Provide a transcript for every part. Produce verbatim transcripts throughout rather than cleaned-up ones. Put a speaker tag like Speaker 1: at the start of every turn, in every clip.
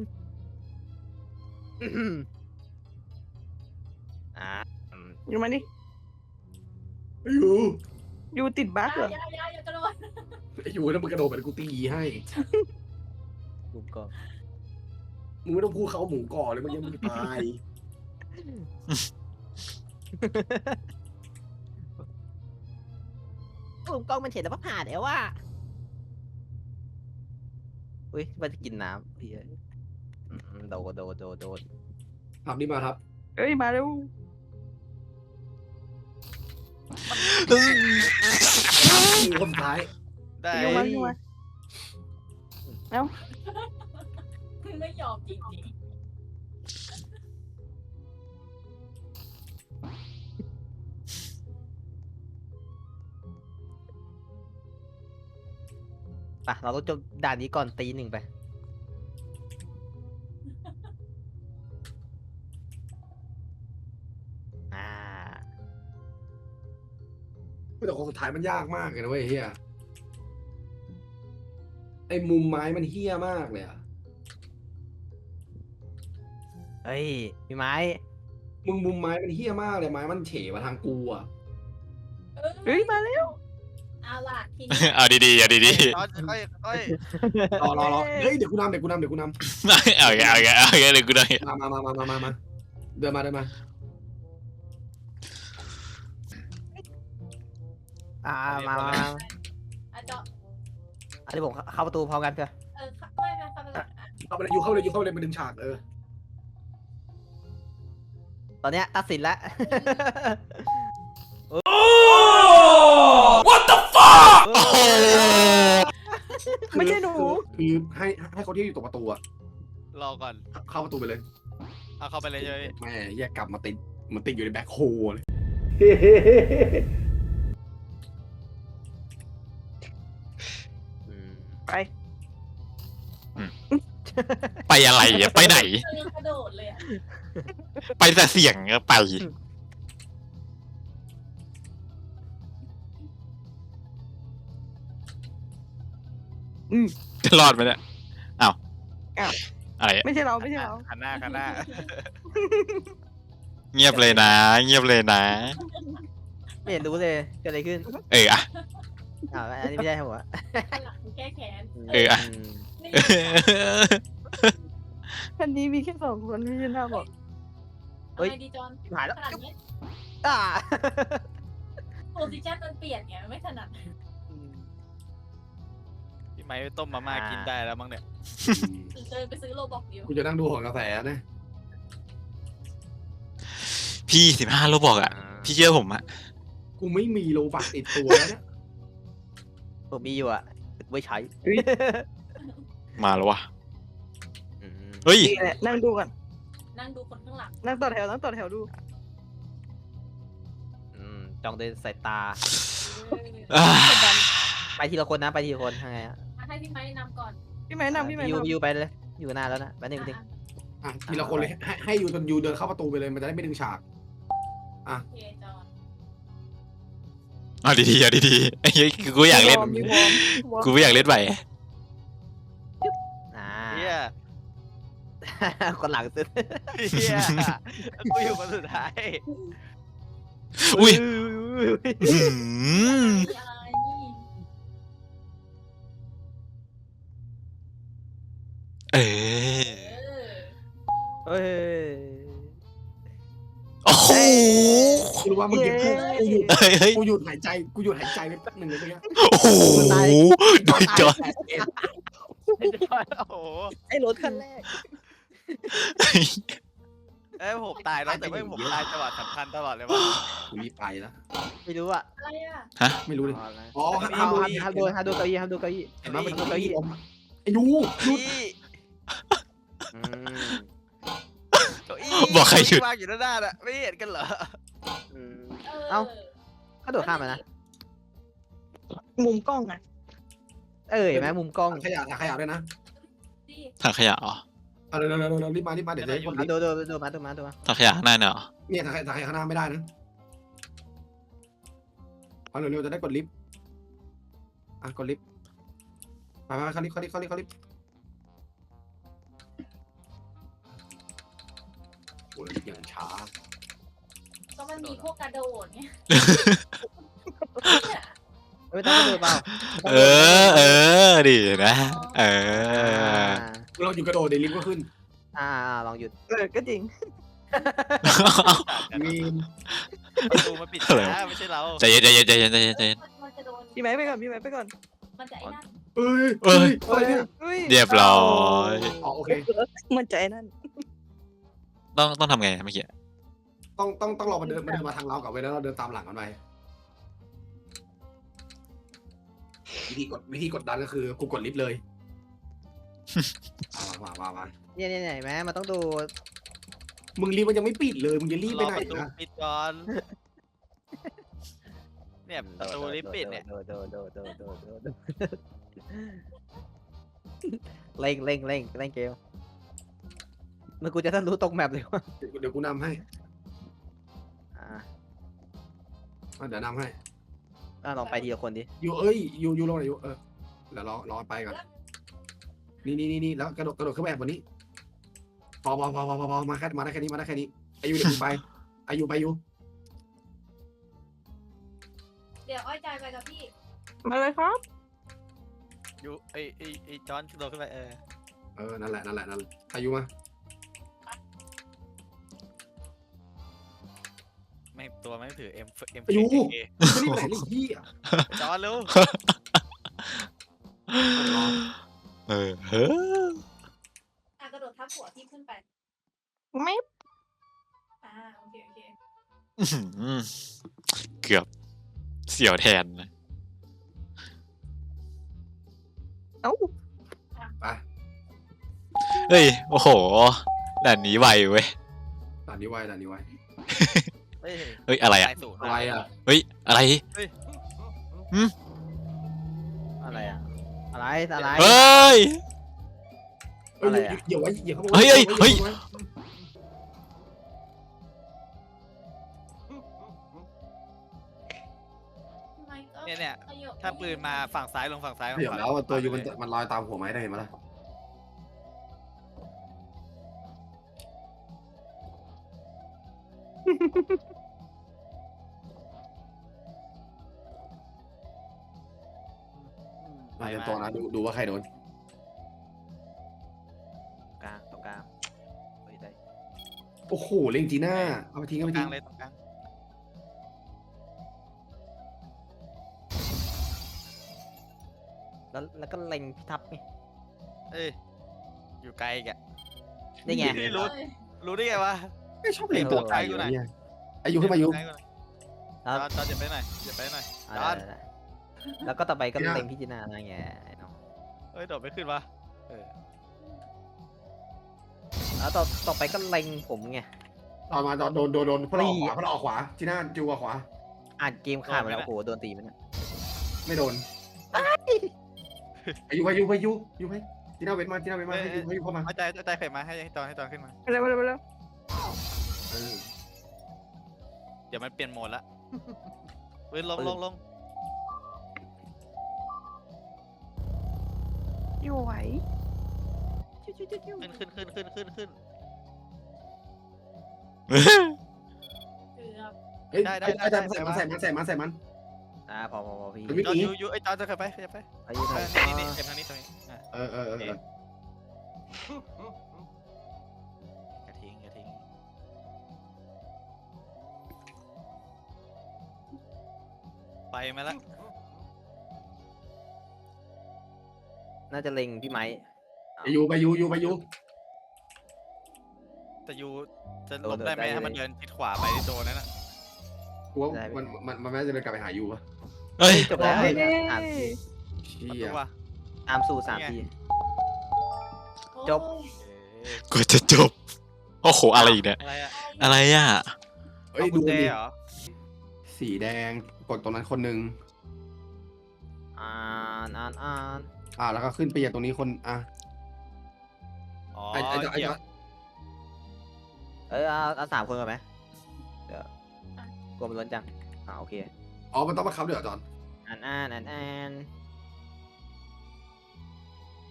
Speaker 1: อ่า
Speaker 2: อยู่มาดิ
Speaker 3: อยู่
Speaker 2: อยู่ติดบั๊กเหรอ
Speaker 4: อย่าอย่าอย่ากระโดด
Speaker 3: ไอ้อยู่แล้วมึงกระโดดไปกูตีให้
Speaker 1: มุมกล้อง
Speaker 3: มึงไม่ต้องพูดเขาหมูก่อเลยมันยังไม่ตาย
Speaker 1: มุมกล้องมันเห็นแล้วว่าผ่านแล้วว่าอุ้ยมันจะกินน้ำเฮ้ยโดนโดนโดนโดน
Speaker 3: ทำนี่มาครับ
Speaker 2: เอ้ยมาเร็ว
Speaker 3: มีคนสุดท้าย
Speaker 5: ได้
Speaker 2: อยู่มาอยู่มา
Speaker 4: คือไม่ยอมจริง
Speaker 1: ปะเราต้องจบด่านนี้ก่อนตีหนึ่งไปอ่า
Speaker 3: แต่คนสุดท้ายมันยากมากเลยนะเว้ยเฮียไอ้มุมไม้มันเฮี้ยมากเลยอะ
Speaker 1: เฮ้ยพี่ไม้
Speaker 3: มึงมุมไม้มันเฮี้ยมากเลยไม้มันเฉมาทางกูอะ
Speaker 4: ๆเออ
Speaker 2: เฮ้ยมาเร็ว
Speaker 4: เอาล่ะทีนี้
Speaker 5: เอาดีๆเอาดี
Speaker 6: ค่อยค่อยค่อย
Speaker 3: รอรอรอเฮ้ยเดี๋ยวกูนำเดี๋ยวกูนำเดี๋ยวกูน
Speaker 5: ๆเอาแกเอาแกเอาแกเลยกูได้
Speaker 3: ำมามามามามามามาเดินมาเดินมา
Speaker 1: อ่ามามามา
Speaker 4: อาจจะ
Speaker 1: อันนี้ผมเข้าประตูพร้อมกันเถอะ
Speaker 4: เออไม่ไม่ทำอะไร
Speaker 3: เข้าไปเลยอยู่เข้าไปเลยอยู่เข้าไปเลยมาดึงฉากเออ
Speaker 1: ตอนเนี้ยตัดสินแล้ว
Speaker 5: What the fuck โอ้โห
Speaker 2: ไม่ใช่หนู
Speaker 3: คือคือให้ให้เขาที่อยู่ตรงประตูอะ
Speaker 6: รอก่อน
Speaker 3: เข้าประตูไปเลย
Speaker 6: เอาเข้าไปเลยใช่ไหม
Speaker 3: แม่แยกกลับมาติดมันติดอยู่ในแบ็คโฮเลย
Speaker 1: อืม
Speaker 2: ไป
Speaker 5: ไปอะไรอะไปไหน
Speaker 4: เออกระโดดเลยอ่ะ
Speaker 5: ไปแต่เสียงอะไป
Speaker 2: อืม
Speaker 5: จะรอดไหมเนี่ยอ้าว
Speaker 2: อ้าว
Speaker 5: อะไร
Speaker 2: ไม่ใช่เราไม่ใช่เรา
Speaker 6: ขันหน้าขันหน้า
Speaker 5: เงียบเลยนะ เงียบเลยนะ
Speaker 1: ไม่เห็นรู้เลยเกิดอะไรขึ้น
Speaker 5: เอออะ
Speaker 1: อ้าวอันนี้ไม่ใช่หัว
Speaker 4: หลังแก้แค้น
Speaker 5: เอออะ
Speaker 1: ม
Speaker 4: นี่
Speaker 2: คันนี้มีแค่สองคนไม่ใช่หน้าบอก
Speaker 4: เฮ้ยดีจอน
Speaker 1: หายแล้ว
Speaker 4: ขนาดนี้
Speaker 1: อ่า
Speaker 4: โพสิชันมันเปลี่ยนไงไม่ถนัด
Speaker 6: พี่ไม้ต้มมาม่ากินได้แล้วมั้งเนี่ย
Speaker 4: เดินไปซื้อโลบอกเดียว
Speaker 3: กูจะนั่งดูของกาแฟนะ
Speaker 5: พี่สิบห้าโลบอกอะพี่เชื่อผมอะ
Speaker 3: กูไม่มีโลบักติดตัวแล้วเนี่ย
Speaker 1: ผมมีอยู่อ่ะไม่ใช้
Speaker 5: มาแล้ววะ
Speaker 1: อืม
Speaker 5: เฮ้ย
Speaker 2: นี่แหละนั่งดูกัน
Speaker 4: นั่งดูคนข้างหลัง
Speaker 2: นั่งต่อแถวนั่งต่อแถวดู
Speaker 1: อืมจ้องด้วยสายตา
Speaker 4: เออ
Speaker 5: อ่า
Speaker 1: ไปทีละคนนะไปทีละคนทางไงอ่ะ
Speaker 4: ให้พี่ไม้นำก่อน
Speaker 2: พี่ไม้นำพี่ไม้
Speaker 1: ยู
Speaker 2: นำ
Speaker 1: ยูไปเลยอยู่นานแล้วนะแป๊บนึงนึง
Speaker 3: อ่ะทีละคนเลยให้ให้ยูจนยูเดินเข้าประตูไปเลยมันจะได้ไม่ดึงฉาก
Speaker 4: โอเคจอน
Speaker 5: เอาดีๆเอาดีๆไอ้เหี้ยกูอยากเล่น
Speaker 2: มีวอร์มมีวอร์ม
Speaker 5: กูไม่อยากเล่นไป
Speaker 1: อ่า
Speaker 6: เฮีย
Speaker 1: คนหลังสุด
Speaker 6: เฮียกูอยู่คนสุดท้าย
Speaker 5: อุ้ย
Speaker 1: อุ้ย
Speaker 5: อื้อหือ
Speaker 4: อะไร
Speaker 5: เออ
Speaker 4: เออ
Speaker 1: เฮ้ย
Speaker 5: โอ้โห
Speaker 3: กูรู้ว่ามึงเก็บกูกูหยุด
Speaker 5: เฮ้ยเฮ้ย
Speaker 3: กูหยุดหายใจกูหยุดหายใจไปแป๊บหนึ่งเลยเมื่อกี้
Speaker 5: โอ้โหโดนจอด
Speaker 6: โอ้โห
Speaker 1: ไอ้รถคันแรก
Speaker 6: เอ้ยผมตายแล้วแต่ไม่ผมตายจังหวะสำคัญตลอดเลยว่ะ
Speaker 3: กูรีบไปแล้ว
Speaker 1: ไม่รู้อ่ะ
Speaker 4: อะไรอ่ะ
Speaker 3: ไม่รู้เลย
Speaker 1: อ๋อนะ
Speaker 3: อ๋อ
Speaker 1: ห้า
Speaker 3: ห้าม
Speaker 1: ม
Speaker 3: ดู
Speaker 1: ดูห้ามดูห้ามดูเก้าอี้ห้ามดูเก้าอี้
Speaker 3: เห็นไหมมัน
Speaker 1: ห้ามดู
Speaker 3: เก้า
Speaker 1: เก้า
Speaker 3: อี้
Speaker 1: อี้
Speaker 3: อมไอ้ยูหยุด
Speaker 6: พี่
Speaker 1: อืม
Speaker 6: เก้าอี้
Speaker 5: บอกใครหยุด
Speaker 6: วางอยู่ด้านหน้าน่ะไม่เห็นกันเหรอ
Speaker 1: อืม
Speaker 4: เออ
Speaker 1: เอ้า ก็โดดข้ามมานะ
Speaker 2: มุมกล้องอ่ะ
Speaker 1: เอ้ยแม่มุมกล้อง
Speaker 3: ขยะขยะด้วยนะ
Speaker 4: ดิ
Speaker 5: ถังขยะเหรอ
Speaker 3: เอาเร็วเร็วเร็วเร็วรีบมารีบมาเดี๋ยวจะให้คน
Speaker 1: อ่ะ
Speaker 3: รีบ
Speaker 1: ดูดูดูมาดูมาดูมา
Speaker 5: ถังขยะข้างหน้าเนี่ยเหรอ
Speaker 3: เนี่ยถังขยะถังขยะข้างหน้าไม่ได้นะเอาเร็วเร็วจะได้กดลิฟต์อ่ะกดลิฟต์ไปไปเข้าลิฟต์เข้าลิฟต์เข้าลิฟต์เข้าลิฟต์อ่า
Speaker 4: ก็มันมีพวกกระโดดไง
Speaker 1: ไม่ต้องกระโดดเปล่า
Speaker 5: เออเออดินะเอ
Speaker 1: อ่า
Speaker 5: อ
Speaker 3: เราอยู่กระโดดในลิฟต์ก็ขึ้น
Speaker 1: อ่าอ่าลองหยุด
Speaker 2: เออก็จริง
Speaker 3: มีน
Speaker 6: ประตูมันปิดนะไม่ใช่เรา
Speaker 5: ใจเย็นใจเย็นใจเย็นใจเย็นใจเย็น
Speaker 4: มันจะโดน
Speaker 2: พี่ไม้ไปก่อนพี่ไม้ไปก่อน
Speaker 4: มันจะไอ้นั่น
Speaker 3: เอ้ย
Speaker 5: เอ้ย
Speaker 3: อะไรเนี่ย
Speaker 2: ฮ้
Speaker 5: เรียบร้อย
Speaker 3: อ๋อโอเค
Speaker 2: มันใจนั่น
Speaker 5: ต้องต้องทำไงเมื่อกี้
Speaker 3: ต้องต้องต้องรอมาเดินมาเดินมาทางเรากับเว้ยแล้วเราเดินตามหลังกันไปวิธีกดวิธีกดดันก็คือกูกดลิฟต์เลยเอามามามา
Speaker 1: เนี่ยเนี่ยเนี่ยเห็นไหมมันต้องดู
Speaker 3: มึงลิฟต์มันยังไม่ปิดเลยมึงจะรีบ
Speaker 6: ร
Speaker 3: ไป
Speaker 6: อ
Speaker 3: ไหน
Speaker 6: ประตู
Speaker 3: นะ
Speaker 6: ปิดก่อนเนี่ยประตูลิฟต์ปิดเนี่ย
Speaker 1: โดดโดดโดดโดดโดดโดดโดดเร่งเร่งเร่งเร่งเกมมันกูจะต้องรู้ตรงแมปเลยว่า
Speaker 3: เดี๋ยวเดี๋ยวกูนำให้
Speaker 1: อ่า
Speaker 3: อ่ะเดี๋ยวนำให้
Speaker 1: อ่าลองไปทีละคนดิ
Speaker 3: อยู่เอ้ยอยู่อยู่ลงไหนอยู่เออเดี๋ยวรอรอไปก่อนนี่นี่นี่นี่แล้วกระโดดกระโดดขึ้นไปแอบบนนี้พอพอพอพอพอพอมาแค่มาได้แค่นี้มาได้แค่นี้อายุเดี๋ยวกูไปอายุไปอายุ
Speaker 4: เดี๋ยวอ้อยใจไปกับพี่
Speaker 2: มาเลยครับ
Speaker 6: อยู่ไอไอไอจอนกระโดดขึ้นไปเออ
Speaker 3: เออนั่นแหละนั่นแหละนั่นแหละอายุมา
Speaker 6: ไม่ตัวไม่ถือเอ็มเอ็ม
Speaker 3: อายุ
Speaker 6: เค
Speaker 3: ไม่รีบไปไหนเลยพี่
Speaker 6: จอนเร็ว
Speaker 5: เออเฮ้อ
Speaker 4: อ่ะกระโดดทับหัวพี่ขึ้นไป
Speaker 2: ไม่
Speaker 4: อ่าโอเคโอเค
Speaker 5: อื้อหือเกือบเสียวแทนนะ
Speaker 2: เอ้า
Speaker 3: ไป
Speaker 5: เฮ้ยโอ้โหด่านนี้ไวเว้ย
Speaker 3: ด่านนี้ไว้ด่านนี้ไว้
Speaker 6: เฮ้ย
Speaker 5: เฮ้ยอะไรอ่ะ
Speaker 6: ตายศูนย์
Speaker 3: อะไรอ่ะ
Speaker 5: เฮ้ยอะไร
Speaker 1: อะไรอ่ะอะไรอะไร
Speaker 5: เฮ้ย
Speaker 3: เอ้ย
Speaker 1: อะไรอะ
Speaker 3: อย่าไว้อย่าเข้ามา
Speaker 5: เฮ้ยเฮ้ยเฮ้ย
Speaker 3: อาไว้
Speaker 4: ทำไมก็
Speaker 6: เนี่ยเนี่ย
Speaker 4: ประโยค
Speaker 6: ถ้าปืนมาฝั่งซ้ายลงฝั่งซ้ายลง
Speaker 3: เดี๋ยว
Speaker 6: ฝั่ง
Speaker 3: แล้วตัวอยู่มันมันลอยตามหัวไม้ได้เห็นไหมล่ะมาเตรียมตัวนะดูดูว่าใครโดน
Speaker 1: กลางตรงกลางเฮ้ยได้
Speaker 3: โอ้โหเล็งจีน่าเอาไปทิ้ง
Speaker 6: ตร
Speaker 3: เอา
Speaker 6: ง
Speaker 3: ไป
Speaker 6: ก
Speaker 3: ทิ้
Speaker 6: ลาง งเลยตรงกลาง
Speaker 1: แล้วแล้วก็เล็งพิทับไง
Speaker 6: เอ้ยอยู่ไกลอีกอะ
Speaker 1: นี่ไง
Speaker 6: นี่รู้รู้ได้ไงวะ
Speaker 3: ไม่ชอบเล็งตัวไกลอยู่เนี่ยอายุ
Speaker 6: อ
Speaker 3: ขึ้นมาอายุ
Speaker 6: ใกล้กว่าหน่อย
Speaker 1: แล้ว
Speaker 6: จอนจอนอย่าไปหน่อยอย่าไปหน่อย
Speaker 1: อ่า
Speaker 6: จอน
Speaker 1: ได้ได้แล้วก็ต่อไปก็
Speaker 3: เนี่ย
Speaker 1: เล็งพิจารณาอะไรเงี้ยไอ้น้อง
Speaker 6: เฮ้ยโดดไม่ขึ้นวะเออ
Speaker 1: แล้วต่อต่อไปก็เล็งผมไง
Speaker 3: ตอนมาตอนโดนโดนโดนเพราะเราออกข
Speaker 1: นี่
Speaker 3: วาเพราะเราออกขวาจีน่าจูออกขวา
Speaker 1: อ่านเกมขาดไปแล้วโอ้โหโดนตีมันเนี่ย
Speaker 3: ไม่โดนอายุอายุอายุอายุให้จีน่าเว้นมาจีน่าเว้นมาให้อายุให้อายุเข้ามา
Speaker 6: เอาใจเอาใจเข็มมาให้ให้จอนให้จอนขึ้นมา
Speaker 2: ไปเลยไปเลยไปเลย
Speaker 3: เออ
Speaker 6: เดี๋ยวมันเปลี่ยนโหมดละเว้ยลงลงลง
Speaker 2: อยู่ไหวชิวชิวชิวชิว
Speaker 6: ขึ้นขึ้นขึ้นขึ้นขึ้นขึ้น
Speaker 4: เกือบ
Speaker 3: เฮ้ย
Speaker 6: ได้ได้
Speaker 3: ได้
Speaker 6: ได้
Speaker 3: ได้
Speaker 6: ได้
Speaker 3: ใส่มันใส่มันใส่มันใส่มัน
Speaker 1: อ่าพอพอพอพี่
Speaker 3: มันวิ่ง
Speaker 6: จอน
Speaker 3: หนี
Speaker 6: ยูยูไอ้ยจอนจะขึ้นไปขึ้นไป
Speaker 1: อายุ
Speaker 6: เอ
Speaker 1: เท่า
Speaker 6: อนี่นี่นี่เข็มทางนี้ตรงนี้อ่ะ
Speaker 3: เออเออเออเออ
Speaker 6: อย่าทิ้งอย่าทิ้งไปมาละ
Speaker 1: น่าจะเล็งพี่ไม้
Speaker 3: ไปยูไปยูยูไปยู
Speaker 6: แต่ยูจะหลบได้ไหมถ้ามันเดินทิศขวาไปที่โดนนั่นน่ะ
Speaker 3: กูว่ามันมันมันไม่น่าจะเดินกลับไปหายูปะ
Speaker 5: เฮ้ย
Speaker 1: จบแล้ว
Speaker 2: เฮ้ย
Speaker 1: สามที
Speaker 3: เชี่
Speaker 6: ประ
Speaker 3: ย
Speaker 6: ตูว่ะ
Speaker 1: ตามสู่สามที จบ
Speaker 4: โอ้ย
Speaker 6: เอ๊ะ
Speaker 5: กว่าจะจบโอ้โหอะไรอีกเนี่ย
Speaker 6: อะไรอะ
Speaker 5: อะไรอ่ะ
Speaker 3: เฮ้ย
Speaker 6: เอากุ
Speaker 3: ดู
Speaker 6: ญแจ
Speaker 3: ดิ
Speaker 6: เหรอ
Speaker 3: สีแดงกดตรงนั้นคนหนึ่ง
Speaker 1: อ่านอ่านอ่าน
Speaker 3: อ่าแล้วก็ขึ้นไปอย่างตรงนี้คนอ่ะ
Speaker 6: อ๋อ
Speaker 3: ไอ้ไอ้ไอ้
Speaker 6: เหยียบ
Speaker 1: เออเอาเอาสามคนก่อนไหมเดี๋ยวกลัวมันล้นจังอ่าโอเค
Speaker 3: อ๋อมันต้องมาคับเดี๋ยวจอน
Speaker 1: อ่านอ่านอ่านอ่าน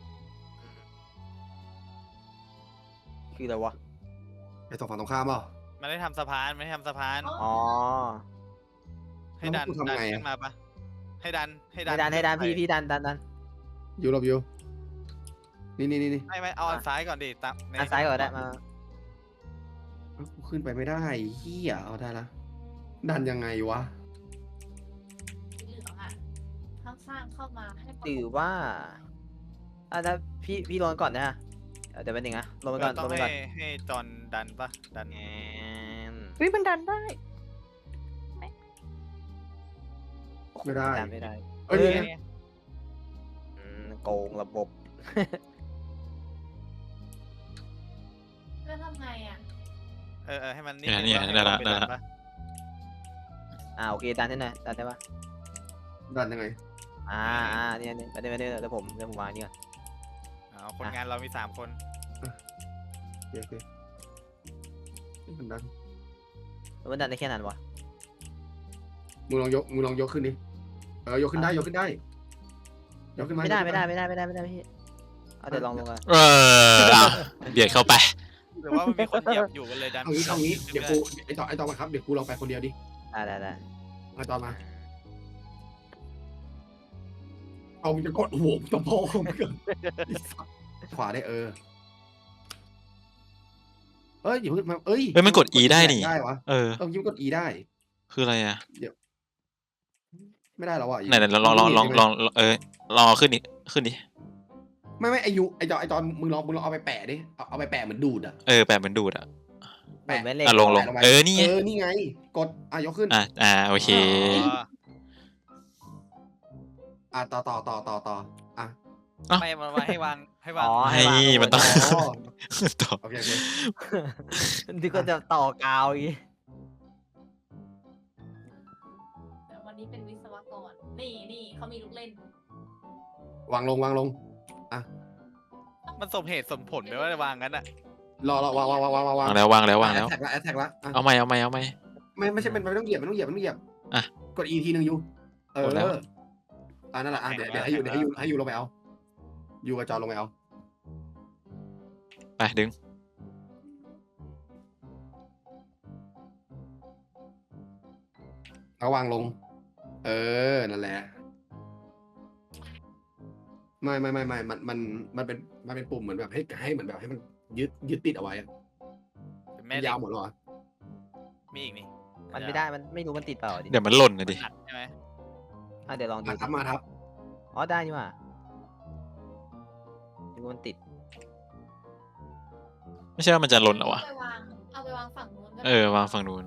Speaker 1: คืออะไรวะ
Speaker 3: ไอ้ตรงฝั่งตรงข้ามเปล่า
Speaker 6: มันได้ทำสะพานไม่ได้ทำสะพาน
Speaker 1: อ๋อ
Speaker 6: ให้ดัน
Speaker 3: แล้วกูทำ
Speaker 6: ดัน
Speaker 3: ไงอะ
Speaker 6: ขึ้นมาปะให้ดันให้ดั
Speaker 1: ให้
Speaker 6: น
Speaker 1: ดันให้ดัน
Speaker 6: ขึ้
Speaker 1: พี่
Speaker 6: ไป
Speaker 1: พี่ดันดันดัน
Speaker 3: อยู่หลบอยู่นี่นี่นี่นี่
Speaker 6: ไม่ไม่เอาอันซ้ายก่อนดิตามใน
Speaker 1: อันซ้ายก่อนได้มา
Speaker 3: เอ้ากูขึ้นไปไม่ได้เฮียเอาได้ละดันยังไงวะ
Speaker 4: สีเหลืองอ่ะข้างสร้างเข้ามาให้ประกบ
Speaker 1: หรือว่าอ่ะถ้าพี่พี่ลงก่อนนะเดี๋ยวเป็นหนึ่งนะลงไปก่อน
Speaker 6: ต้
Speaker 1: ล
Speaker 6: อง
Speaker 1: งไป
Speaker 6: ให้
Speaker 1: ก่อน
Speaker 6: ให้จอนดันปะดัน
Speaker 1: แอน
Speaker 2: เฮ้ยมันดันได้
Speaker 3: ไม่ได้
Speaker 1: ดันไม่ได้
Speaker 3: เอ้ย
Speaker 1: เออ
Speaker 3: นี่ไง
Speaker 1: อืมโกงระบบ
Speaker 4: แล้วทำไงอ่ะ
Speaker 6: เออเออให้มัน
Speaker 5: เนี่ย
Speaker 6: ง
Speaker 5: เนี่ย
Speaker 6: ว่าให้
Speaker 5: ได้ละ
Speaker 6: ป
Speaker 5: ได้ละ
Speaker 6: ป
Speaker 1: อ่าโอเคดันให้หน่อยดันได้ปะ
Speaker 3: ดันยังไง
Speaker 1: อ่าอ่าเนี่ยเนี่ยเดี๋ยวเดี๋ยวเดี๋ยวผมเดี๋ยวผมวางนี่ก่อน
Speaker 6: เอาคนงานเรามีสามคน
Speaker 3: โอเคโอเคนี่มันดัน
Speaker 1: แล้วมันดันได้แค่นั้นวะ
Speaker 3: มึงลองยกมึงลองยกขึ้นดิเออยกขึ้นได้ยกขึ้นได้ยกขึ้นมา
Speaker 1: ไม่ได้
Speaker 3: ยก
Speaker 1: ไม่
Speaker 3: ขึ้น
Speaker 1: ได้ไม่ได้ไม่ได้ไม่ได้พี่เอาเดี๋ยวลองลงกัน
Speaker 5: เออเอาเบียดเข้าไป
Speaker 6: หรือว่ามันมีคนเหยียบอยู่กันเลยดัน
Speaker 3: เอางี้เอางี้เดี๋ยวกูไอต่อไอต่อมาครับเดี๋ยวกูลองไปคนเดียวดิ
Speaker 1: ได้ได้ได้
Speaker 3: ไอต่อมาเอามึงจะกดหัวมึงจะพอมึงเกินขวาได้เออเอ้ยอย่าเพิ่งมาเอ้ย
Speaker 5: เฮ้ยมันกด E ได้นี่
Speaker 3: ได้วะ
Speaker 5: เออ
Speaker 3: เออยิ้มกด E ได้
Speaker 5: คืออะไรอ่ะ
Speaker 3: ไม่ได้แล้วอ่ะ
Speaker 5: ไหนไหนลองลองลองลองลองเออลองเอาขึ้นดิขึ้นดิ
Speaker 3: ไม่ไม่ไอยูไอจอไอจอนมึงลองมึงลองเอาไปแปะดิเอาเอาไปแปะเหมือนดูดอ่ะ
Speaker 5: เออแปะเหมือนดูดอ่ะ
Speaker 1: เหมือนแม่เหล็ก
Speaker 5: อ่ะลงลง
Speaker 3: แปะไป
Speaker 5: เออนี่ไง
Speaker 3: เออนี่ไง กดอ่ะยกขึ้น
Speaker 5: อ่ะอ่าโอเค
Speaker 6: อ๋อ
Speaker 3: อ่ะต่อต่อต่อต่อต่ออ่ะ
Speaker 5: เอ้า
Speaker 6: ไม่มามาให้วางให้วาง
Speaker 1: อ๋อ
Speaker 5: ให้
Speaker 1: ให้วาง
Speaker 5: มันต้อง
Speaker 3: อ๋อ
Speaker 5: ต่อ
Speaker 3: โอเคโอเค
Speaker 1: นึกว่าจะต่อกาวอีก
Speaker 4: แต่วันนี้เป็นวิศวกร นี่นี่เขามีลูกเล่น
Speaker 3: วางลงวางลง
Speaker 6: มันสมเหตุสมผลไหมว่าจะวางงั้นอ่ะ
Speaker 3: รอรอวางวางวางวางวาง
Speaker 5: วางแล้ววางแล้ววางแล้ว
Speaker 3: แท็กละแอทแท็กละอ่ะ
Speaker 5: เอาไม่เอาไม่เอาไม่
Speaker 3: ไม่ไม่ใช่เป็นไม่ต้องเหยียบไม่ต้องเหยียบไม่ต้องเหยียบ
Speaker 5: อ่ะ
Speaker 3: กด E ทีหนึ่งยูเออก
Speaker 5: ดแล้ว
Speaker 3: อ่ะนั่นแหละอ่ะเดี๋ยวเดี๋ยวให้ยูเดี๋ยวให้ยูให้ยูลงไปเอายูกับจอลงไปเอา
Speaker 5: ไปดึง
Speaker 3: เอาวางลง เออนั่นแหละไม่ไม่ไม่ไม่มันมันมันเป็นมันเป็นปุ่มเหมือนแบบให้ให้เหมือนแบบให้มันยึดยึดติดเอาไว้อะ
Speaker 6: เป็น
Speaker 3: มั
Speaker 6: แม่
Speaker 3: น
Speaker 6: เหล็
Speaker 3: ยาว
Speaker 6: ก
Speaker 3: หมดแล้วเหรอ
Speaker 6: มีอีกนี่
Speaker 1: มันไม่ได้มันไม่รู้มันติดเปล่าดิ
Speaker 5: เดี๋ยวมันหล่นนะดิ
Speaker 6: หักใช่ไหม
Speaker 1: อ่ะเดี๋ยวลองดู
Speaker 3: มาทับมาทับ
Speaker 1: อ๋อได้นี่หว่านึกว่ามันติด
Speaker 5: ไม่ใช่ว่ามันจะหล่นเหรอวะ
Speaker 4: เอาไปวาง เอาไปวางฝั่งนู้นก็ได้
Speaker 5: เออวางฝั่งนู้น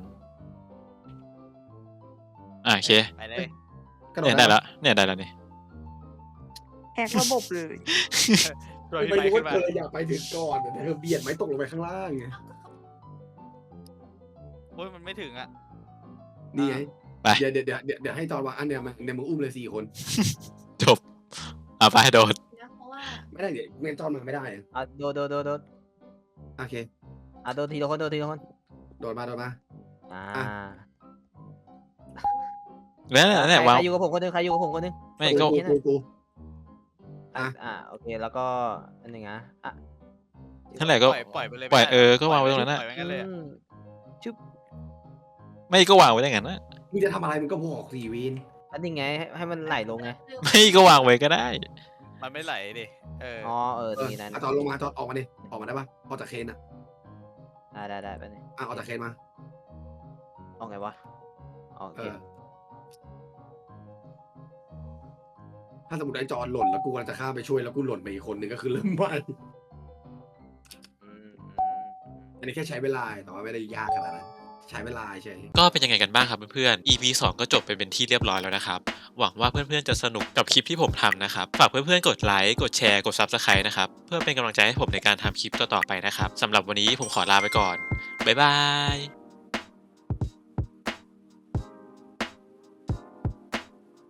Speaker 5: อ่ะโอเค
Speaker 6: ไปเลย
Speaker 3: กระโดด
Speaker 5: เนี่ยได้แล้วเนี่ยได้แล้วนี่
Speaker 2: แหกระบบเลย
Speaker 6: ช่วย
Speaker 3: ไม่
Speaker 6: พี่
Speaker 3: รู้
Speaker 6: ไม้
Speaker 3: ว่า
Speaker 6: ขึ้นมา
Speaker 3: เธออยากไปถึงก่อนแต่เธอเบียดไม้ตกลงไปข้างล่างไง
Speaker 6: โอ้ยมันไม่ถึงอ่ะ
Speaker 3: นี่ไง
Speaker 5: ไป
Speaker 3: เดี๋ยวเดี๋ยวเดี๋ยวเดี๋ยวเดี๋ยวให้จอนวางอันเดียวมาเดี๋ยวมึงอุ้มเลยสี่คน
Speaker 5: จบอ่ะไปโดด
Speaker 4: นะเพราะว่า
Speaker 3: ไม่ได้เดี๋ยวเมนจอนมาไม่ได้อะ
Speaker 1: อ่ะโดดโดดโดดโดด
Speaker 3: โอเค
Speaker 1: อ่ะโดดทีละคนโดดทีละคน
Speaker 3: โดดมาโดดมา
Speaker 1: อ่า
Speaker 3: อ่ะ
Speaker 5: แล้วเนี่ยเนี่ย
Speaker 1: ใคร
Speaker 5: วาง
Speaker 1: ใครอยู่กับผมคนหนึงใครอยู่กับผมคนหนึง
Speaker 5: ไม่ก็
Speaker 3: กูกูกู
Speaker 1: อ่ะ
Speaker 3: อ่ะ
Speaker 1: อ่ะโอเคแล้วก็อันหนึ่งอ่ะอ่ะ
Speaker 5: นั่นแหละก็
Speaker 6: ปล่อยปล่อยไปเลย
Speaker 5: ปล่อย
Speaker 6: ไม่ได้
Speaker 5: เออก็วางไว้ตรงนั้นน่ะ
Speaker 6: ปล่อยไว้งั้นเลยอะ
Speaker 1: อืมชึบ
Speaker 5: ไม่ก็วางไว้ได้งั้นนะ
Speaker 3: มึงจะทำอะไรมึงก็บอกสี่วิน
Speaker 1: อันนี้ไงให้ให้มันไหลลงไง
Speaker 5: ไม่ก็วางไว้ก็ได้
Speaker 6: มันไม่ไหลดิเออ
Speaker 1: อ๋อเออ
Speaker 3: เอ
Speaker 1: ตรง
Speaker 3: อ
Speaker 1: นี้นั่น
Speaker 3: อ่ะจอนลงมาจอนออกมาดิออกมาได้ปะออกจากเคนอ่ะ
Speaker 1: ได้ได้ได้ไปนี่
Speaker 3: อ่ะออกจากเคนมา
Speaker 1: เอาไงวะอ๋อโอ
Speaker 3: เอ
Speaker 1: เค
Speaker 3: อถ้าสมมติไอ้จอนหล่นแล้วกูกำลังจะข้ามไปช่วยแล้วกูหล่นไปอีกคนหนึ่งก็คือเริ่มใหม่
Speaker 1: อืม
Speaker 3: อันนี้แค่ใช้เวลาแต่ว่าไม่ได้ยากขนาดนั้นใช้เวลาใช่
Speaker 5: ก็เป็นยังไงกันบ้างครับเพื่อนๆ อี พี สองก็จบไปเป็นที่เรียบร้อยแล้วนะครับ หวังว่าเพื่อนๆ จะสนุกกับคลิปที่ผมทำนะครับ ฝากเพื่อนๆ กดไลค์ กดแชร์ กด ซับสไครบ์ นะครับ เพื่อเป็นกำลังใจให้ผมในการทำคลิปต่อๆไปนะครับ สำหรับวันนี้ผมขอลาไปก่อน บ๊ายบาย